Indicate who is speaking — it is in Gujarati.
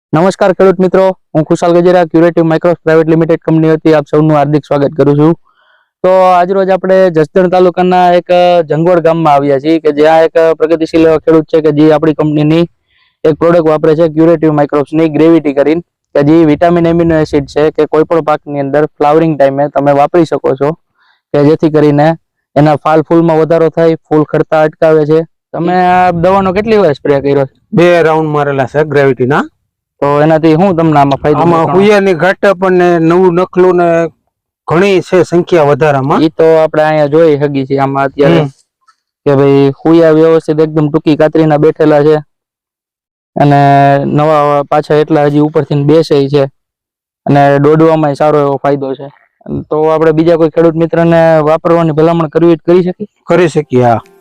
Speaker 1: નમસ્કાર ખેડૂત મિત્રો, હું Khushal Gajera curative micros private limited company વતી આપ સૌનું હાર્દિક સ્વાગત કરું છું. તો આજરોજ આપણે જસદણ તાલુકાના એક જંગવડ ગામમાં આવ્યા છીએ કે જ્યાં એક પ્રગતિશીલ એવા ખેડૂત છે કે જે આપણી કંપનીની એક પ્રોડક્ટ વાપરે છે ક્યુરેટિવ માઇક્રોસની ગ્રેવિટી કરીને, કે જે વિટામિન એમિનો એસિડ છે કે કોઈ પણ પાકની અંદર ફ્લાવરિંગ ટાઈમે તમે વાપરી શકો છો કે જેથી કરીને એના ફાલ ફૂલમાં વધારો થાય, ફૂલ ખરતા અટકાવે છે. તમે આ દવાનો કેટલી વાર સ્પ્રે કર્યો છે?
Speaker 2: 2 રાઉન્ડ મારેલા છે ગ્રેવિટીના.
Speaker 1: તો એનાથી શું તમને આમાં ફાયદો?
Speaker 2: આમાં હુયાની ઘાટા પણ નવું નખલું ને ઘણી છે સંખ્યા વધારામાં.
Speaker 1: ઈ તો આપણે અહીંયા જોઈ હગી છે આમાં અત્યારે કે ભાઈ હુયા વ્યવસ્થિત એકદમ ટૂંકી કાતરીના બેઠેલા છે અને નવા પાછા એટલા હજી ઉપરથી બેસે છે અને દોડવામાં સારો એવો ફાયદો છે. તો આપણે બીજા કોઈ ખેડૂત મિત્રને વાપરવાની ભલામણ કરી શકીએ?
Speaker 2: કરી શકીએ, હા.